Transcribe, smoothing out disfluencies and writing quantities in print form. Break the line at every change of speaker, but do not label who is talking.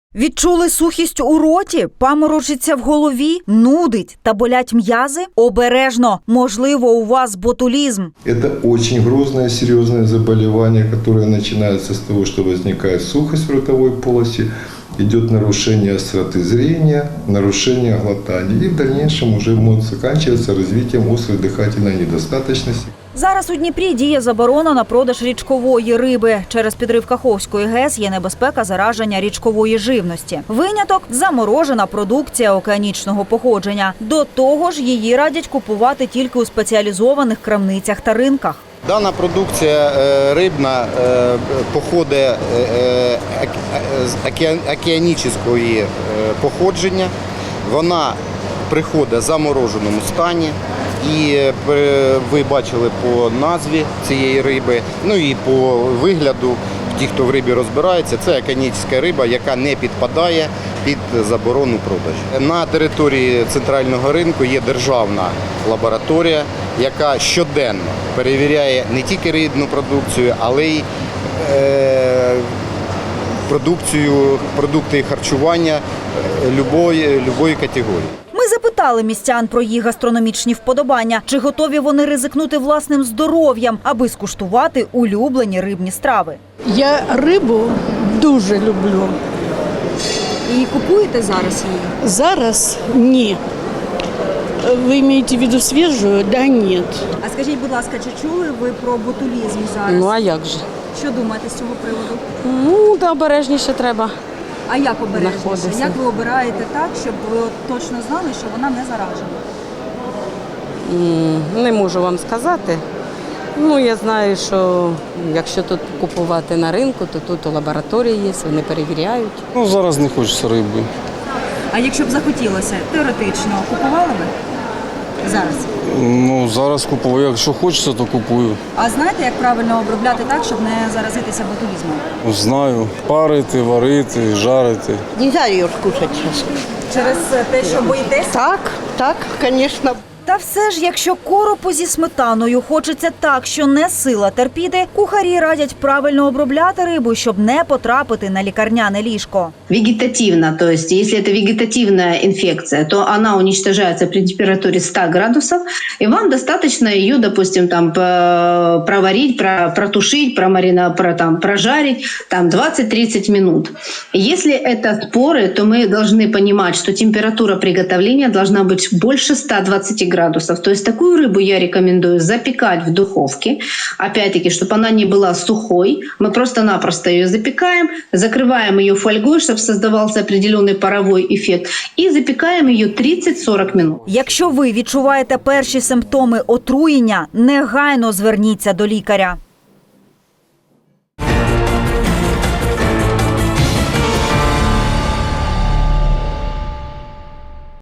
Відчули сухість у роті, паморочиться в голові, нудить та болять м'язи? Обережно, можливо, у вас ботулізм.
Это очень грозное, серьезное заболевание, которое начинается с того, что возникает сухость в ротовой полости, идет нарушение остроты зрения, нарушение глотания. И в дальнейшем уже может заканчиваться развитием острой дыхательной недостаточности.
Зараз у Дніпрі діє заборона на продаж річкової риби. Через підрив Каховської ГЕС є небезпека зараження річкової живності. Виняток – заморожена продукція океанічного походження. До того ж, її радять купувати тільки у спеціалізованих крамницях та ринках.
Дана продукція рибна походить з океанічного походження. Вона приходить в замороженому стані. І ви бачили по назві цієї риби, ну і по вигляду, ті, хто в рибі розбирається, це океанічна риба, яка не підпадає під заборону продажу. На території центрального ринку є державна лабораторія, яка щоденно перевіряє не тільки рибну продукцію, але й продукти харчування любої категорії.
Ми запитали містян про їх гастрономічні вподобання, чи готові вони ризикнути власним здоров'ям, аби скуштувати улюблені рибні страви.
Я рибу дуже люблю.
І купуєте зараз її?
Зараз ні. Ви маєте в виду свіжу? Да, ні.
А скажіть, будь ласка, чи чули ви про ботулізм зараз?
Ну, а як же?
Що думаєте з цього приводу?
Ну, та обережніше треба.
А як обережніше?
Знаходиться.
Як ви обираєте так, щоб ви точно знали, що вона не заражена?
Не можу вам сказати. Ну, я знаю, що якщо тут купувати на ринку, то тут у лабораторії є, вони перевіряють.
Ну, зараз не хочеться риби.
А якщо б захотілося, теоретично, купували би зараз?
Ну, зараз купую. Якщо хочеться, то купую.
А знаєте, як правильно обробляти так, щоб не заразитися ботулізмом?
Знаю. Парити, варити, жарити.
Нельзя ее кушать сейчас.
Через те, що боїтеся?
Так, конечно.
Та все ж, якщо коропу зі сметаною хочеться так, що не сила терпіти, кухарі радять правильно обробляти рибу, щоб не потрапити на лікарняне ліжко.
Вегетативно, то есть если это вегетативная инфекция, то она уничтожается при температуре 100 градусов, и вам достаточно ее, допустим, там проварить, протушить, прожарить там 20-30 минут. Если это споры, то мы должны понимать, что температура приготовления должна быть больше 120 градусов. То есть такую рыбу я рекомендую запекать в духовке. Опять-таки, чтобы она не была сухой. Мы просто-напросто ее запекаем, закрываем ее фольгой, чтобы создавался определенный паровой эффект, и запекаем ее 30-40 минут.
Якщо ви відчуваєте перші симптоми отруєння, негайно зверніться до лікаря.